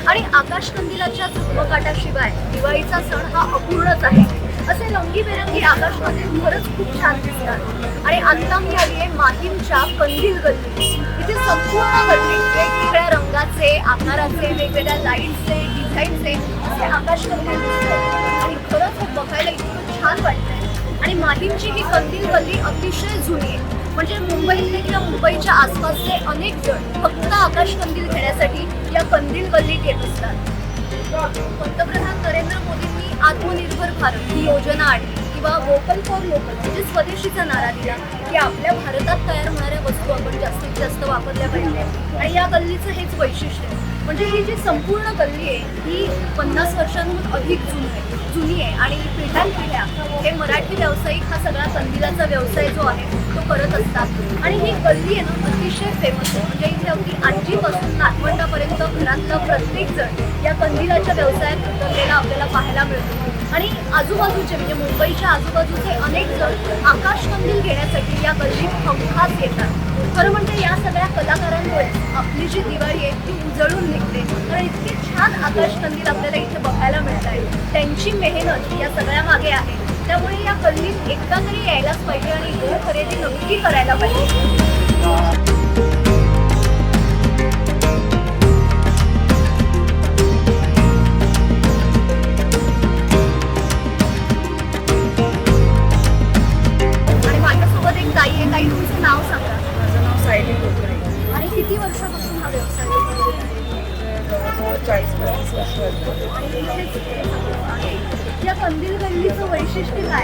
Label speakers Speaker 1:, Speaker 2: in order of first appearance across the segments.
Speaker 1: आणि आकाशकंदिलाच्या झगमगाटाशिवाय दिवाळीचा सण हा अपूर्णच आहे. असे रंगीबेरंगी आकाशकंदील खरंच खूप छान दिसतात. आणि आता मी आली आहे माहीमच्या कंदील गल्ली. इथे संपूर्ण गल्लीत वेगवेगळ्या रंगाचे, आकाराचे, वेगवेगळ्या लाईट्सचे, डिझाईनचे असे आकाशकंदील दिसतात आणि खरंच हे बघायला इतकं छान वाटतंय. आणि माहीमची ही कंदील गल्ली अतिशय जुनी आहे. म्हणजे मुंबईतले किंवा मुंबईच्या आसपासचे अनेक जण फक्त आकाशकंदील घेण्यासाठी या कंदील गल्लीत येत असतात. पंतप्रधान नरेंद्र मोदींनी आत्मनिर्भर भारत ही योजना आणली किंवा वोकल फॉर लोकल म्हणजे स्वदेशीचा नारा दिला की आपल्या भारतात तयार होणाऱ्या वस्तू आपण जास्तीत जास्त वापरल्या पाहिजे. आणि या गल्लीचं हेच वैशिष्ट्य आहे. म्हणजे ही जी संपूर्ण गल्ली आहे ही 50 वर्षांहून अधिक जुनी आहे आणि पिढ्यानपिढ्या हे मराठी व्यावसायिक हा सगळा कंदिलाचा व्यवसाय जो आहे तो करत असतात. आणि ही गल्ली आहे ना अतिशय फेमस आहे. म्हणजे इथे अगदी आजीपासून नातवंडापर्यंत घरातलं प्रत्येक जण या कंदिलाच्या व्यवसायात उतरलेला आपल्याला पाहायला मिळतो. आणि आजूबाजूचे म्हणजे मुंबईच्या आजूबाजूचे अनेक जण आकाशकंदील घेण्यासाठी या गल्लीत हमखास येतात. खरं म्हणजे या सगळ्या कलाकारांमुळे आपली जी दिवाळी आहे ती उजळून निघते. कारण इतके छान आकाशकंदील आपल्याला इथे बघायला मिळत आहे. त्यांची मेहनत या सगळ्या मागे आहे. त्यामुळे या गल्लीत एकदा तरी यायलाच पाहिजे आणि इथे खरेदी नक्की करायला पाहिजे. ताई आहे. ताई तुमचं नाव सांगा.
Speaker 2: माझं नाव सायली कोकरे.
Speaker 1: आणि किती वर्षापासून हा व्यवसाय करतो?
Speaker 2: जवळजवळ 40-35 वर्ष झाली.
Speaker 1: आणि इथेच हे सगळं आहे. या कंदील गल्लीचं वैशिष्ट्य काय?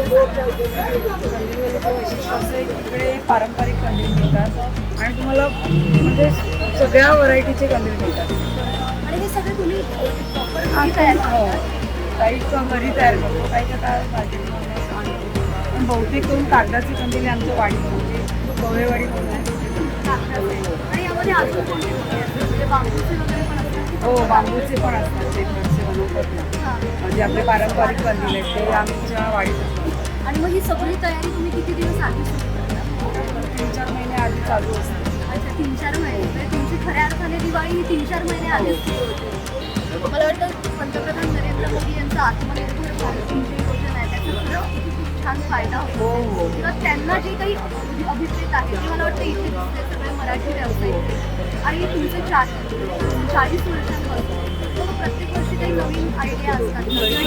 Speaker 2: कंदीलचं वैशिष्ट्य असं आहे की इकडे पारंपरिक कंदील मिळतात आणि तुम्हाला म्हणजे सगळ्या व्हरायटीचे कंदील मिळतात.
Speaker 1: आणि हे सगळे तुम्ही प्रॉपर
Speaker 2: आणि
Speaker 1: तयार
Speaker 2: हो
Speaker 1: करतात?
Speaker 2: काही घरी तयार करतो, काही आता मार्केटमधून आणतो. पण बहुतेक करून कागदाचे कंदील आमच्या वाडी म्हणजे गवळेवाडी म्हणून आहे.
Speaker 1: आणि यामध्ये अजून कोणते कोणते असतात? म्हणजे बांबूचे वगैरे पण असतात?
Speaker 2: हो बांबूचे पण असतात ते घरचे बनवतात ना.
Speaker 1: हां.
Speaker 2: म्हणजे आपले पारंपरिक कंदील आहेत ते आमच्या वाडीत असतात.
Speaker 1: आणि मग ही सगळी तयारी तुम्ही किती दिवस आधी सुरू करता?
Speaker 2: 3-4 महिने आधी चालू असते.
Speaker 1: अच्छा 3-4 महिने. म्हणजे तुमची खऱ्या अर्थाने दिवाळी ही 3-4 महिने आधीच सुरू होते. मला वाटतं पंतप्रधान नरेंद्र मोदी यांचा आत्मनिर्भर भारत ही जी योजना आहे त्याचा खरं खूप छान फायदा होतो.
Speaker 2: हो.
Speaker 1: किंवा त्यांना जे काही अभिप्रेत आहे ते मला वाटतं इथे दिसते सगळे मराठी व्यावसायिक. आणि तुमचे 40 वर्षांपासून मग प्रत्येक वर्षी काही नवीन आयडिया असतात.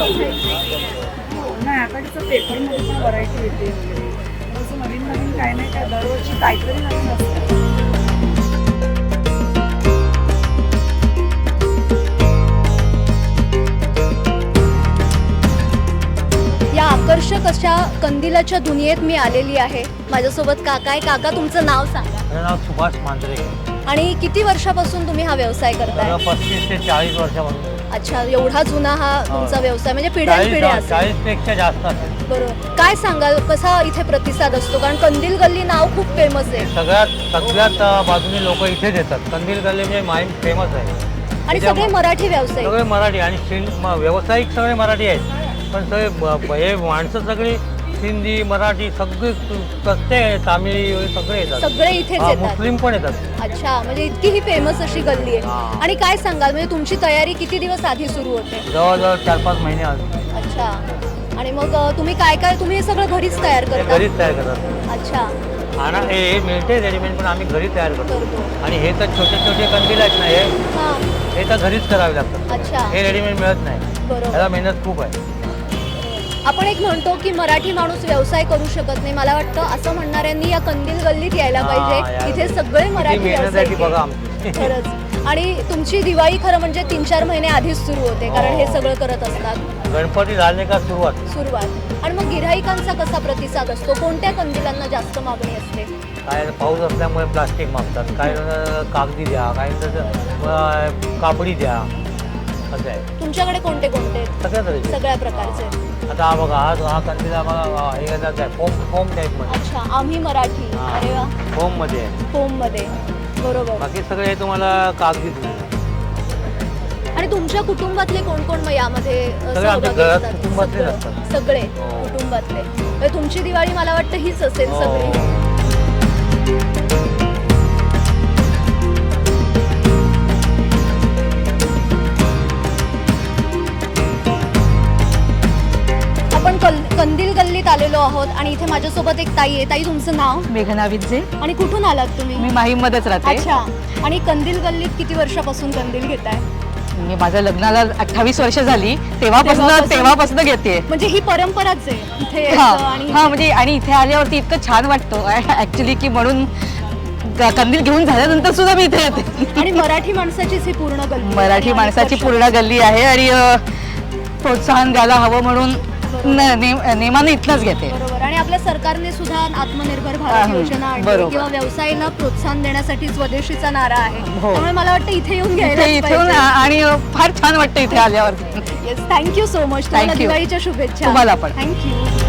Speaker 2: नाही आता कसं पेपरमध्ये पण व्हरायटी येते वगैरे असं नवीन नवीन काय नाही काय दरवर्षी काहीतरी नवीन असतं.
Speaker 1: या आकर्षक अशा कंदिलाच्या दुनियेत मी आलेली आहे. माझ्यासोबत काका आहे. काका तुमचं नाव सांगा.
Speaker 3: माझं नाव सुभाष मांजरे.
Speaker 1: आणि किती वर्षापासून तुम्ही हा व्यवसाय करताय?
Speaker 3: 35 ते 40 वर्षापासून.
Speaker 1: अच्छा एवढा जुना हा तुमचा व्यवसाय म्हणजे पिढ्यानपिढ्या असेल.
Speaker 3: 40 पेक्षा जास्त असेल.
Speaker 1: बरोबर. काय सांगाल कसा इथे प्रतिसाद असतो? कारण कंदील गल्ली नाव खूप फेमस आहे
Speaker 3: सगळ्यात बाजूने लोक इथेच येतात. कंदील गल्ली म्हणजे माहीम फेमस आहे
Speaker 1: आणि सगळे मराठी व्यवसाय.
Speaker 3: सगळे मराठी आणि व्यावसायिक सगळे मराठी आहेत. पण सगळे हे माणसं सगळी हिंदी मराठी सगळे कच्चे तामिळी सगळे येतात.
Speaker 1: सगळे इथेच येतात.
Speaker 3: मुस्लिम पण येतात.
Speaker 1: अच्छा म्हणजे इतकी ही फेमस अशी गल्ली आहे.
Speaker 3: हां.
Speaker 1: आणि काय सांगाल म्हणजे तुमची तयारी किती दिवस आधी सुरू होते?
Speaker 3: जवळजवळ 4-5 महिने आधी.
Speaker 1: अच्छा. आणि मग तुम्ही काय काय तुम्ही हे सगळं घरीच तयार करता?
Speaker 3: घरीच तयार करतात.
Speaker 1: अच्छा.
Speaker 3: आणि हे मिळते रेडीमेड पण आम्ही घरी तयार करतो.
Speaker 1: करतो.
Speaker 3: आणि हे तर छोटे छोटे कंदील आहेत ना
Speaker 1: हां.
Speaker 3: हे तर घरीच करावे लागतात.
Speaker 1: अच्छा.
Speaker 3: हे रेडीमेड मिळत नाही.
Speaker 1: बरोबर.
Speaker 3: त्याला मेहनत खूप आहे.
Speaker 1: आपण एक म्हणतो की मराठी माणूस व्यवसाय करू शकत नाही. मला वाटतं असं म्हणणाऱ्यांनी या कंदील गल्लीत यायला पाहिजे. इथे सगळे मराठी
Speaker 3: मेहनत आहे ती बघा
Speaker 1: व्यावसायिक
Speaker 3: आमची.
Speaker 1: खरंच. आणि तुमची दिवाळी खरं म्हणजे 3-4 महिने आधीच सुरू होते कारण हे सगळं करत असतात.
Speaker 3: गणपती झाले का सुरुवात.
Speaker 1: आणि मग गिऱ्हाईकांचा कसा प्रतिसाद असतो? कोणत्या कंदिलांना जास्त मागणी असते?
Speaker 3: काय पाऊस असल्यामुळे प्लास्टिक मागतात. काय कागदी द्या, काय कापडी द्या असं आहे.
Speaker 1: तुमच्याकडे कोणते कोणते? सगळ्या प्रकारचे.
Speaker 3: आता हा बघा हा कंदील बघा हे आहे फोम टाईप मध्ये.
Speaker 1: अच्छा आम्ही मराठी. अरे वा.
Speaker 3: फोम मध्ये आहे.
Speaker 1: फोम मध्ये. बरोबर.
Speaker 3: बाकी सगळे तुम्हाला कागदी.
Speaker 1: आणि तुमच्या कुटुंबातले कोण कोण मग यामध्ये
Speaker 3: सहभागी असतात? कुटुंबातले असतात.
Speaker 1: सगळे कुटुंबातले. तुमची दिवाळी मला वाटतं हीच असेल सगळी. कंदील गल्लीत आलेलो आहोत आणि इथे माझ्यासोबत एक ताई आहे. ताई, तुमचं नाव
Speaker 4: मेघना विद्जे.
Speaker 1: आणि कुठून आलात तुम्ही?
Speaker 4: मी माहीममध्येच राहते.
Speaker 1: अच्छा. आणि कंदील गल्लीत किती वर्षापासून कंदील घेताय?
Speaker 4: मी माझ्या लग्नाला 28 वर्ष झाली,
Speaker 1: तेव्हापासून?
Speaker 4: तेव्हापासून घेते.
Speaker 1: म्हणजे ही परंपराच आहे इथे
Speaker 4: हा
Speaker 1: यायचं आणि
Speaker 4: हा, म्हणजे आणि इथे आल्यावरती इतकं छान वाटतं ऍक्च्युली की म्हणून कंदील घेऊन झाल्यानंतर सुद्धा मी इथे येते.
Speaker 1: आणि मराठी माणसाचीच ही पूर्ण गल्ली.
Speaker 4: मराठी
Speaker 1: आणि
Speaker 4: माणसाची
Speaker 1: अनेक
Speaker 4: पूर्ण गल्ली आहे आणि प्रोत्साहन द्यायला हवं म्हणून नेमानं इथनंच घेते.
Speaker 1: बरोबर. आणि आपल्या सरकारने सुद्धा आत्मनिर्भर भारत योजना आणली
Speaker 4: बरोबर.
Speaker 1: किंवा व्यवसायाला प्रोत्साहन देण्यासाठी स्वदेशीचा नारा आहे.
Speaker 4: हो.
Speaker 1: त्यामुळे मला वाटतं इथे येऊन
Speaker 4: इथून
Speaker 1: घ्यायला.
Speaker 4: आणि फार छान वाटतं इथे आल्यावरती.
Speaker 1: Yes, thank you so much. तुम्हाला
Speaker 4: Thank you.
Speaker 1: दिवाळीच्या शुभेच्छा.
Speaker 4: तुम्हाला पण.
Speaker 1: थँक्यू.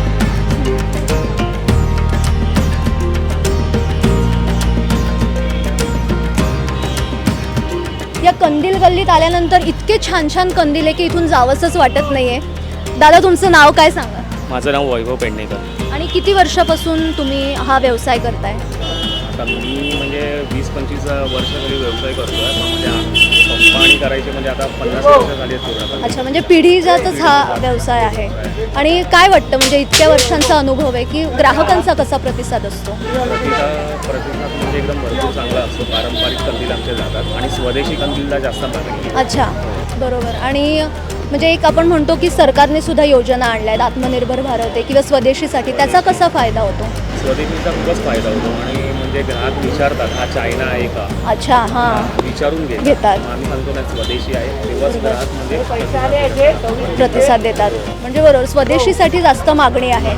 Speaker 1: या कंदील गल्लीत आल्यानंतर इतके छान छान कंदील आहे की इथून जावंसच वाटत नाहीये. दादा, तुमचं नाव काय सांगा?
Speaker 5: माझं नाव वैभव पेडणेकर.
Speaker 1: आणि किती वर्षापासून तुम्ही हा व्यवसाय करताय?
Speaker 5: आता मी म्हणजे 20-25 वर्ष तरी व्यवसाय करतो आहे. म्हणजे कंपनी करायचे म्हणजे आता 50 वर्ष झाली आहेत पूर्ण.
Speaker 1: अच्छा, म्हणजे पिढीजातच हा व्यवसाय आहे. आणि काय वाटतं, म्हणजे इतक्या वर्षांचा अनुभव आहे की ग्राहकांचा कसा प्रतिसाद असतो?
Speaker 5: प्रतिसाद म्हणजे एकदम भरपूर चांगला असतो. पारंपरिक कंदील आमचे जातात आणि स्वदेशी कंदीलला जास्त मागणी आहे.
Speaker 1: अच्छा, बरोबर. आणि म्हणजे एक आपण म्हणतो की सरकारने सुद्धा योजना आणल्या आहेत, आत्मनिर्भर भारत आहे किंवा स्वदेशीसाठी, त्याचा कसा फायदा होतो?
Speaker 5: स्वदेशीचा खूपच फायदा होतो आणि म्हणजे ग्राहक विचारतात हा चायना आहे का,
Speaker 1: अच्छा, हां,
Speaker 5: विचारून
Speaker 1: घेतात.
Speaker 5: आम्ही सांगतो ना स्वदेशी आहे, तेव्हाच ग्राहक म्हणजे
Speaker 1: प्रतिसाद देतात. म्हणजे बरोबर, स्वदेशीसाठी जास्त मागणी आहे.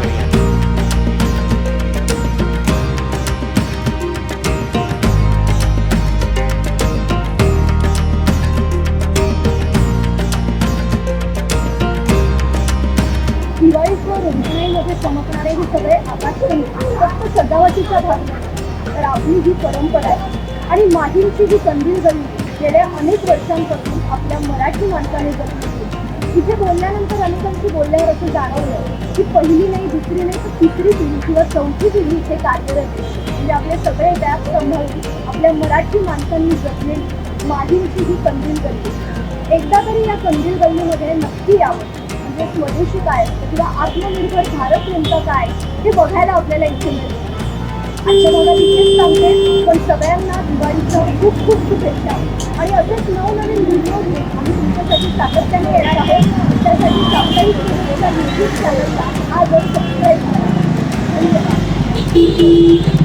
Speaker 1: दिवाळीवर रोषणाईमध्ये चमकणारे हे सगळे आकाशकंदील फक्त सजावटीचा भाग नाही, तर आपली ही परंपरा आहे. आणि माहीमची ही कंदील गल्ली गेल्या अनेक वर्षांपासून आपल्या मराठी माणसाने जपली होती. इथे बोलल्यानंतर अनेकांशी बोलल्यावर असं जाणवलं की पहिली नाही, दुसरी नाही, तर तिसरी पिढी किंवा चौथी पिढी इथे कार्यरत आहे. म्हणजे आपले सगळे व्याप सांभाळून आपल्या मराठी माणसांनी जपलेली माहीमची ही कंदील गल्ली. एकदा तरी या कंदील गल्लीमध्ये नक्की यावं. म्हणजे स्वदेशी काय असतं किंवा आत्मनिर्भर भारत नेमका काय हे बघायला आपल्याला इथे मिळतं. आजच्या भागात इथेच सांगते, पण सगळ्यांना दिवाळीच्या खूप खूप शुभेच्छा. आणि असेच नवनवीन व्हिडिओ घेऊन आम्ही तुमच्यासाठी सातत्याने येणार आहोत. त्यासाठी साप्ताहिक यूट्यूब चॅनलला आजच सबस्क्राईब करा. धन्यवाद.